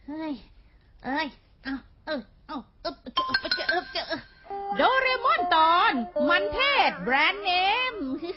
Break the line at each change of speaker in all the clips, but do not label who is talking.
เฮ้ย
โดเรมอนตอนมันเทศแบรนด์เนม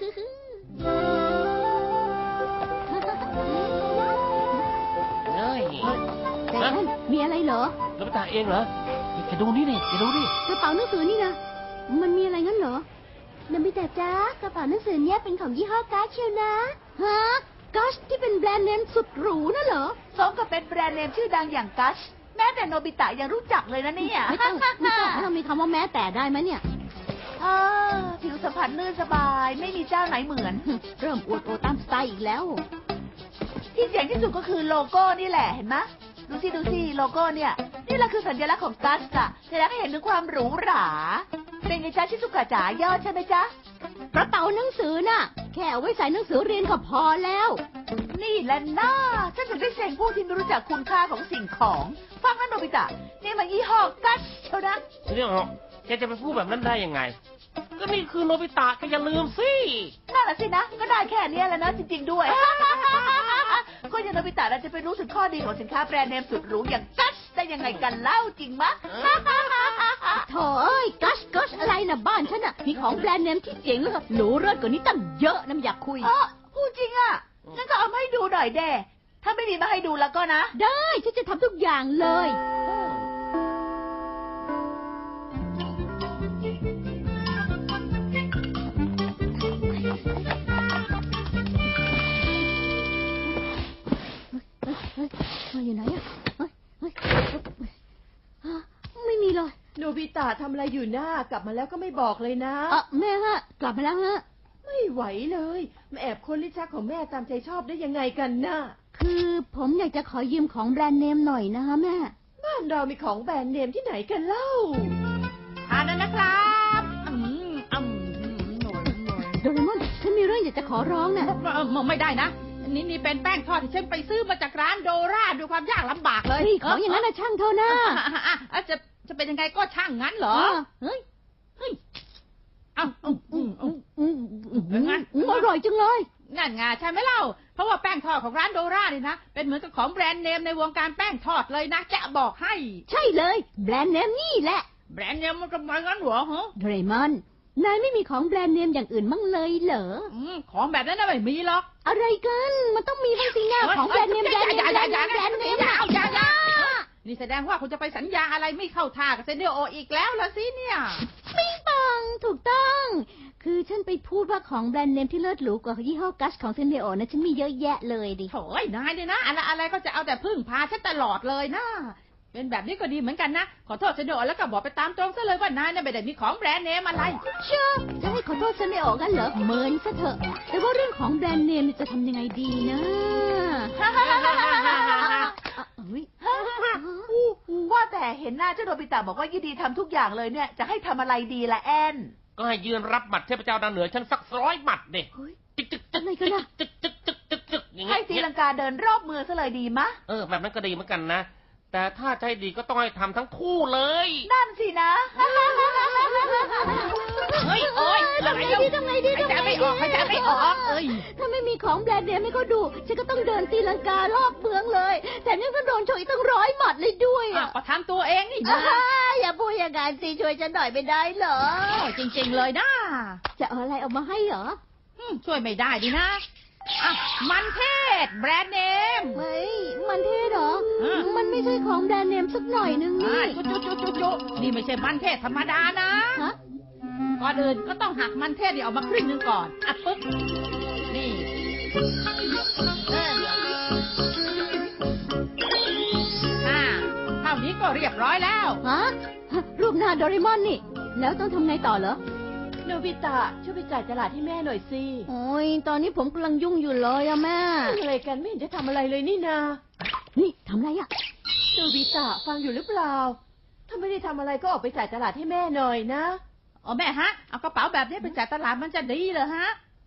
เฮ้ยแต่มีอะไรเหรอ
โนบิตะเองเหรอแกดูนี่ดิแกดูดิ
กระเป๋าหนังสือนี่นะมันมีอะไรงั้นเหรอโนบิตะจ้ากระเป๋าหนังสือเนี้ยเป็นของยี่ห้อกัสเชียวนะฮะกัสที่เป็นแบรนด์เนมสุดหรูน่ะเหรอ
สมกับเป็นแบรนด์เนมชื่อดังอย่างกัสแม้แต่โนบิตะยังรู้จักเลยนะเนี่ย
ไม่ต้องเรามีคำว่าแม้แต่ได้ไหมเนี่ย
ผิวสัมผัสลื่นสบายไม่มีเจ้าไหนเหมือน
เริ่มอวดโอตามสไตล์อีกแล้ว
ที่เจ๋งที่สุดก็คือโลโก้นี่แหละเห็นไหมดูสิโลโก้เนี่ยนี่แหละคือสัญลักษณ์ของกัสอะแสดงให้เห็นถึงความหรูหราเป็นไงจ๊ะชิซุกะจ๋ายอดใช่ไหมจ๊ะ
กระเป๋าหนังสือน่ะแค่เอาไว้ใส่หนังสือเรียนก็พอแล้ว
นี่แหละน่าฉันถึงได้เซ็งพวกที่ไม่รู้จักคุณค่าของสิ่งของฟังนะโนบิตะนี่มันยี่ห้อกัสเชียวนะ
เนี่ยเหรอแกจะไปพูดแบบนั้นได้ยังไงก็นี่คือโนบิตะแกอย่าลืมสิ
นั่นแหละสินะก็ได้แค่นี้แล้วนะจริงๆด้วยก็ยังโนบิตะจะไปรู้ถึงข้อดีของสินค้าแบรนด์เนมสุดหรูอย่างกัสได้ยังไงกันเล่าจริงมะ
โถ่เอ้ยกัสอะไรนะบ้านฉันน่ะมีของแบรนด์เนมที่เจ๋งแล้วก็หรูเลิศกว่านี้ตั้งเยอะนะอยากคุย
พูดจริงอ่ะงั้นก็เอามาให้ดูหน่อยเด้ถ้าไม่มีมาให้ดูแล้วก็นะ
ได้ฉันจะทำทุกอย่างเลยมาอยู่ไหนอ่ะไม่มีเลย
โนบิตะทำอะไรอยู่หน้ากลับมาแล้วก็ไม่บอกเลยนะ
แม่ฮะกลับมาแล้วฮะ
ไม่ไหวเลยมาแอบค้นลิ้นชักของแม่ตามใจชอบได้ยังไงกันน่ะ
คือผมอยากจะขอยืมของแบรนด์เนมหน่อยนะคะแม่
บ้านเรามีของแบรนด์เนมที่ไหนกันเล่า
ทานนะครับ
โดเรมอนฉันมีเรื่องอยากจะขอร้องน่ะ
ไม่ได้นะนี่เป็นแป้งทอดที่ฉันไปซื้อมาจากร้านโดราด้วยความยากลำบากเลย
ของอย่างนั้นนะช่างเท่านะ
จะเป็นยังไงก็ช่างงั้นเหรอ
เฮ้ยงั้นอร่อยจังเลย
นั่นไงใช่ไหมเล่าเพราะว่าแป้งทอดของร้านโดราเนี่ยนะเป็นเหมือนกับของแบรนด์เนมในวงการแป้งทอดเลยนะจะบอกให้
ใช่เลยแบรนด์เนมนี่แหละ
แบรนด์เนมมันทำไมงั้นเหรอฮะ
โดเรมอนนายไม่มีของแบรนด์เนมอย่างอื่นมั่งเลยเหรอ
ของแบบนั้นไม่มีหรอก
อะไรกันมันต้องมีบ้างสิหน้าของแบรนด์เนมแบรนด์เนม
นี่แสดงว่าคุณจะไปสัญญาอะไรไม่เข้าท่ากับเซนเดโออีกแล้วล่ะสิเนี่ย
ปิ๊งปองถูกต้องคือฉันไปพูดว่าของแบรนด์เนมที่เลิศหรูกว่ายี่ห้อกัสของเซนเดโอนะฉันมีเยอะแยะเลยดิ
โถ่นายเนี่ยนะอะไรก็จะเอาแต่พึ่งพาฉันตลอดเลยนะเป็นแบบนี้ก็ดีเหมือนกันนะขอโทษเซนเดโอแล้วก็บอกไปตามตรงซะเลยว่านายเนี่ยไม่ได้มีของแบรนด์เนมอะไร
เชื่อจะให้ขอโทษเซนเดโอกันเหรอเมินซะเถอะแต่ว่าเรื่องของแบรนด์เนมจะทำยังไงดีนะ
ว่าแต่เห็นหน้าเจ้าโนบิตะบอกว่ายินดีทำทุกอย่างเลยเนี่ยจะให้ทำอะไรดีล่ะแอน
ก็ให้ยืนรับหมัดเทพเจ้าดาวเหนือฉันสัก100 หมัดเด็ก
ให้ตีลังกาเดินรอบเมืองซะเลยดีมะ
แบบนั้นก็ดีเหมือนกันนะแต่ถ้าใจดีก็ต้องให้ทำทั้งคู่เลย
นั่นสินะ
เฮ้ยโอ๊ย
ทำไงดี
ใจไม่ออก
ถ้าไม่มีของแบรนด์เนมให้เขาดูฉันก็ต้องเดินตีลังการอบเมืองเลยแต่ยังต้องโดนโชยตั้ง100 หมัดเลยด้วย
ก็ทำตัวเองนี่นะ
อย่าพูดอย่างนั้นสิช่วยฉันหน่อยไม่ได้เหรอ
จริงๆเลยนะ
จะเอาอะไรออกมาให้เหรอ
ช่วยไม่ได้ดินะมันเทศแบรนด์เนม
เฮ้ยมันเทศเหรอมันไม่ใช่ของแบรนด์เนมสักหน่อยนึงนี่
จุนี่ไม่ใช่มันเทศธรรมดานะก่อนอื่นก็ต้องหักมันเทศนี่ออกมาครึ่งนึงก่อนปึ๊บนี่เท่านี้ก็เรียบร้อยแล้ว
รูปหน้าโดเรมอนนี่แล้วต้องทำไงต่อเหรอ
โนบิตะช่วยไปจ่ายตลาดให้แม่หน่อยสิ
โอ้ยตอนนี้ผมกำลังยุ่งอยู่เลยอะแม่
อะไรกันไม่เห็นจะทำอะไรเลยนี่นา
นี่ทำอะไรอะ
โนบิตะฟังอยู่หรือเปล่าถ้าไม่ได้ทำอะไรก็ออกไปจ่ายตลาดให้แม่หน่อยนะแม่ฮะเอากระเป๋าแบบนี้ไปจ่ายตลาดมันจะดีเหรอฮะ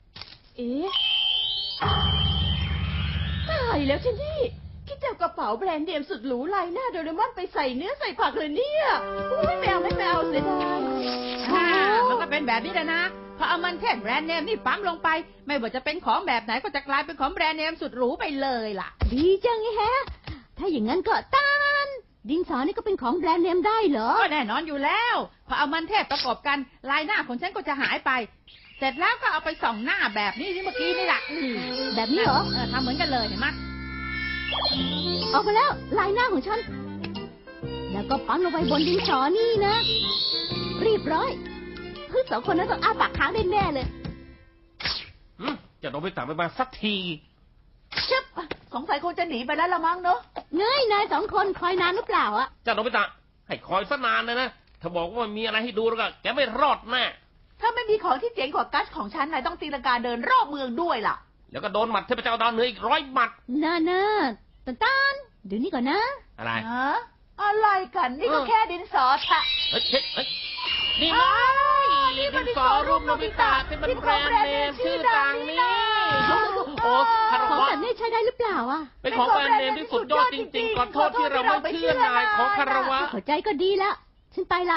ตายแล้วฉันนี่คิดจะเอากระเป๋าแบรนด์เนมสุดหรูลายหน้าโดเรมอนไปใส่เนื้อใส่ผักเลยเนี่ยไม่เอาเสียดายมันก็เป็นแบบนี้แหละนะพอเอามันเทศแบรนด์เนมนี่ปั๊มลงไปไม่ว่าจะเป็นของแบบไหนก็จะกลายเป็นของแบรนด์เนมสุดหรูไปเลยล่ะ
ดีจังไงฮะถ้าอย่างนั้นก็ตาดินสอนี่ก็เป็นของแบรนด์เนมได้เหรอ
ก็แน่นอนอยู่แล้วพอเอามันเทศประกอบกันลายหน้าของฉันก็จะหายไป เสร็จแล้วก็เอาไปส่องหน้าแบบนี้ที่เมื่อกี้นี่แหละ
แบบนี้เหรอ
ทำเหมือนกันเลยเห็นไหม
ออกมาแล้วลายหน้าของฉัน แล้วก็ปั้นลงไปบนดินสอนี่นะ เรียบร้อยสองคนนั้นต้องอ้าปากค้างแน่ๆเลย
จะโนบิตะไม่มาสักที
ชึบ
สงสัยคงจะหนีไปแล้วละมั้งเนอะ
เงยนายสองคนคอยนานหรือเปล่าอะ
จะโนบิตะให้คอยซะนานเลยนะถ้าบอกว่ามีอะไรให้ดูแล้วก็แกไม่รอดแน่
ถ้าไม่มีของที่เจ๋งกว่ากัสของฉันนายต้องตีลังกาเดินรอบเมืองด้วยล่ะ
แล้วก็โดนหมัดเทพเจ้าดาวเหนืออีก100 หมัด
น่าตันเดี๋ยวนี้ก่อนนะ
อะไร
ฮะ อะไรกัน นี่ก็แค่ดินสอทะ
เฮ้ยนี่ไงดินสอรูปโนบิตะที่เป็นแบรนด์เนมชื่อดังนี่โอ้คาร
ของ
วะ
แบบนี้ใช้ได้หรือเปล่าอะ
เป็นของแบรนด์เนมที่สุดยอดจริงๆขอโทษที่เราไม่เชื่อนายขอคารวะ
เข้าใจก็ดีแล้ว ฉันไปละ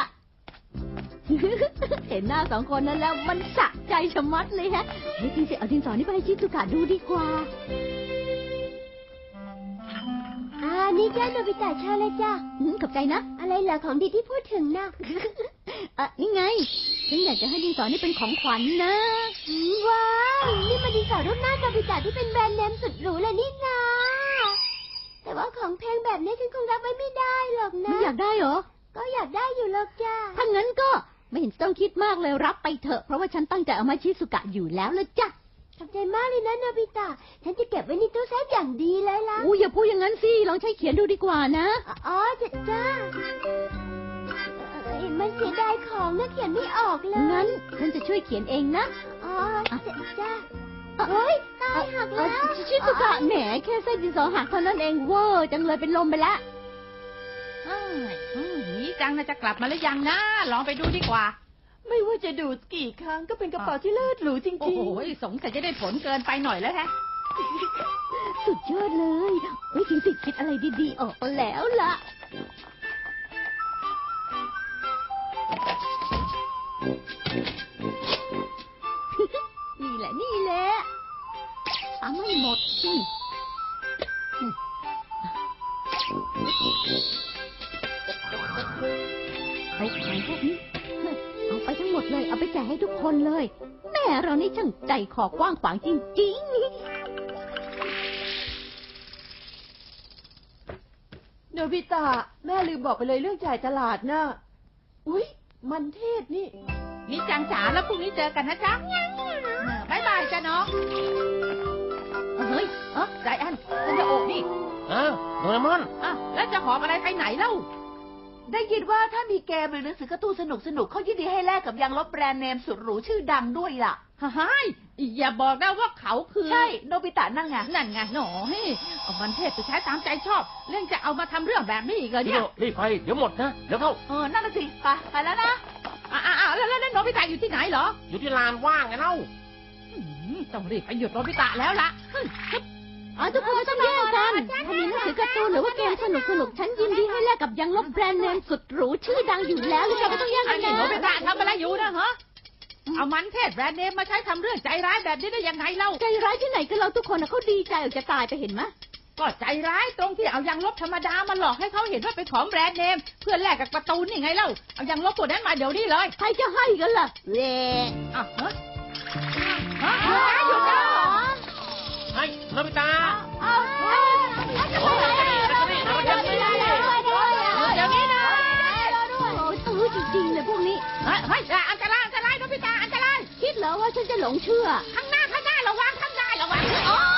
เห็นหน้าสองคนนั้นแล้วมันสะใจชะมัดเลยฮะเฮ้ยจริงสิเอาดินสอนี่ไปให้ชิซุกะดูดีกว่านี่จ้าโนบิตะชาเลยจ้าขอบใจนะ อะไรเหรอของดีที่พูดถึงนะ นี่ไง ฉันอยากจะให้ดินสอนี่เป็นของขวัญนะว้าวนี่มันดินสอรูปหน้าโนบิตะที่เป็นแบรนด์เนมสุดหรูเลยนี่นาแต่ว่าของแพงแบบนี้ฉันคงรับไว้ไม่ได้หรอกนะไม่อยากได้เหรอ ก็อยากได้อยู่หรอกจ้าถ้างั้นก็ไม่เห็นต้องคิดมากเลยรับไปเถอะเพราะว่าฉันตั้งใจเอามาชิซุกะอยู่แล้วละจ้ะขอบใจมากเลยนะโนบิตะฉันจะเก็บไว้ในตู้เซฟอย่างดีเลยล่ะอย่าพูดอย่างนั้นสิลองใช้เขียนดูดีกว่านะอ๋อจ้ามันเสียดายของนะเขียนไม่ออกเลยงั้นฉันจะช่วยเขียนเองนะอ๋อจ้าเฮ้ยตายหักแล้วชิซุกะแหมแค่เส้นดินสอหักเท่านั้นเองเวอร์จังเลยเป็นลมไปแล้ว
นี่จังนะจะกลับมาหรือยังนะลองไปดูดีกว่า
ไม่ว่าจะดูดกี่ครั้งก็เป็นกระเป๋าที่เลิศหรูจริงๆ
โอ้โหสงสัยจะได้ผลเกินไปหน่อยแล้วแฮะ
สุดยอดเลยเฮ้ยจริงสิคิดอะไรดีๆออกมาแล้วล่ะ นี่แหละทำให้หมดสิไปขายพวกนี้เอาไปทั้งหมดเลยเอาไปแจกให้ทุกคนเลยแม่เรานี่ช่างใจคอกว้างขวางจริงๆ
โนบิตะแม่ลืมบอกไปเลยเรื่องจ่ายตลาดน่ะอุ๊ยมันเทศนี่
นี่จังจ๋าแล้วพรุ่งนี้เจอกันนะจ๊ะบ๊ายบายจ้ะน้องเฮ้ยใจแอนฉันจะโอบนี่
โดเรมอน
แล้วจะหอบอะไรไปไหนเล่า
ได้ยินว่าถ้ามีเกมหรือหนังสือการ์ตูนสนุกๆเขายินดีให้แลกกับยางลบแบรนด์เนมสุดหรูชื่อดังด้วยล่ะ
ฮ่าอย่าบอกนะว่าเขาคือ
ใช่ โนบิตะนั่งไง
นั่นไงหนอเอามันเทศไปใช้ตามใจชอบ เรื่องจะเอามาทำเรื่องแบบนี้อีกเหรอเนี่ย
รีบไปเดี๋ยวหมดนะเดี๋ยวเข้า
นั่นน่ะสิไปแล้วนะ
แล้วโนบิตะอยู่ที่ไหนเหรอ
อยู่ที่ลานว่างไงเล่า
ต้องรีบไปหยุดโนบิตะแล้วล่ะ
ทุกคนต้องแยกกันถ้ามีหนังสือการ์ตูนหรือว่าเกมสนุกๆฉันยินดีให้แลกกับยางลบแบรนด์เนมสุดหรูชื่อดังอยู่แล้วหรือเราก็ต้องแยก
อั
กัน น
นี้
นะ
โนบิตะทำอะไรอยู่นะฮะเอามันเทศแบรนด์เนมมาใช้ทำเรื่องใจร้ายแบบนี้ได้ยังไงเล่า
ใจร้ายที่ไหนกันเราทุกคนเขาดีใจออกจะตายไปเห็นไหม
ก็ใจร้ายตรงที่เอายางลบธรรมดามาหลอกให้เขาเห็นว่าเป็นของแบรนด์เนมเพื่อแลกกับการ์ตูนนี่ไงเล่าเอายางลบตัวนั้นมาเดี๋ยวนี้เลย
ใครจะให้กันล่ะเว้
หยุดนะ
ไอ้โนบิตะ
เดี๋ยวนี้นะตื้อจริงๆเลยพวกนี้
เฮ้ยอันตรายโนบิตะอันตราย
คิดเหรอว่าฉันจะหลงเชื่อ
ข้างหน้าระวังข้างหน้าระวัง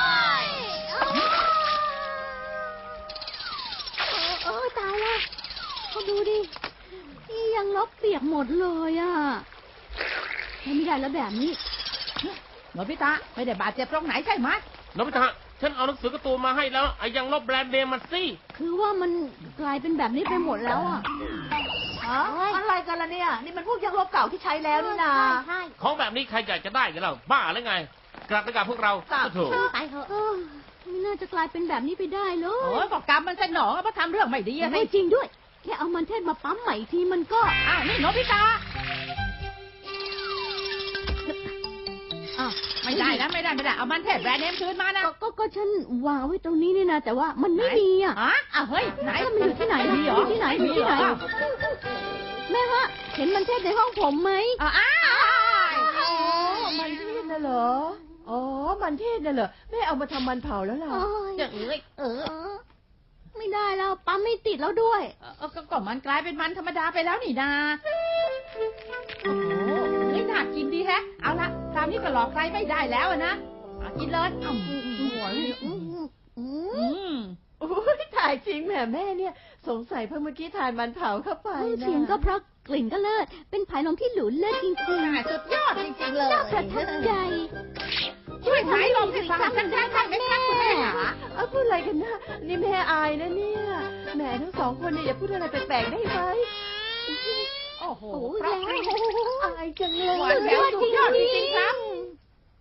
ตายแล้วเขาดูดินี่ยังลบเปียกหมดเลยอ่ะไม่ได้แล้วแบบนี้
โนบิตะไม่ได้บาดเจ็บตรงไหนใช่ไหม
โนบิตะฉันเอาหนังสือการ์ตูนมาให้แล้วไอ้ยังลบแบรนด์เนมมาสิ
คือว่ามันกลายเป็นแบบนี้ไปหมดแล้วอ่ะ
อะไรกันล่ะเนี่ย นี่มันพวกยางลบเก่าที่ใช้แล้วนี่นา
ของแบบนี้ใครอยากจะได้กันเล่าบ้าหรือไง กลับไปกับพวกเราถูก
ไปเถอะไม่น่าจะกลายเป็นแบบนี้ไปได้เล
โอ้
ย
ยบอกกรรมมันสนองเพราะทำเรื่องไม่ดีอะสิ
จริงด้วยแค่เอามันเทศมาปั๊มใหม่ทีมันก็
นี่โนบิตะอ้าวไม่ได้นะไม่ได้เอามันเทศแบรนด์เนมคืนมานะ
ก็ฉันวางไว้ตรงนี้นี่นะแต่ว่ามันไม่มีอ่ะ
อ้าวเฮ้ยไหน
มันอยู่ที่ไหน
มีเหรอ
ที่ไหนอยู่ที่ไหน
อ้าว
แม่ฮะเห็นมันเทศในห้องผมไหม
อ้าว
อ๋อมันเทศน่ะเหรอ อ๋อ มันเทศน่ะเหรอ แม่เอามาทำมันเผาแล้วล่ะ
โอ้ย
เอ้ย
ไม่ได้แล้วปั๊มไม่ติดแล้วด้วย
ก็มันกลายเป็นมันธรรมดาไปแล้วนี่นาโอ้โหเฮ้ยน่ากินดีแฮะ เอาละคราวนี้ก็หลอกใครไม่ได้แล้วอะนะเอากินเลย
โอ้ยถ่ายจริงแหมแม่เนี่ย สงสัยเพิ่งเมื่อกี้ทานมันเผาเข้าไปนะ
เสียงก็เพราะกลิ่นก็เลิศเป็นผายลมที่หรูเลิศจริง
สุดยอดจริงๆเลย
ๆน่าประทับใจ
ช่วยสายลมให้ฟังฉันได้ไหมครับคุณแม่หา
เอาพูดอะไรกันนะนี่แม่อายนะเนี่ยแหมทั้งสองคนเนี่ยอย่าพูดอะไรแปลกๆได้ไหม
โอ้โห
โอ้ย
เพราะ
แล้ว
อายจังเล
หวาน
ย
แหววสุดยอดจริงๆครับ
อ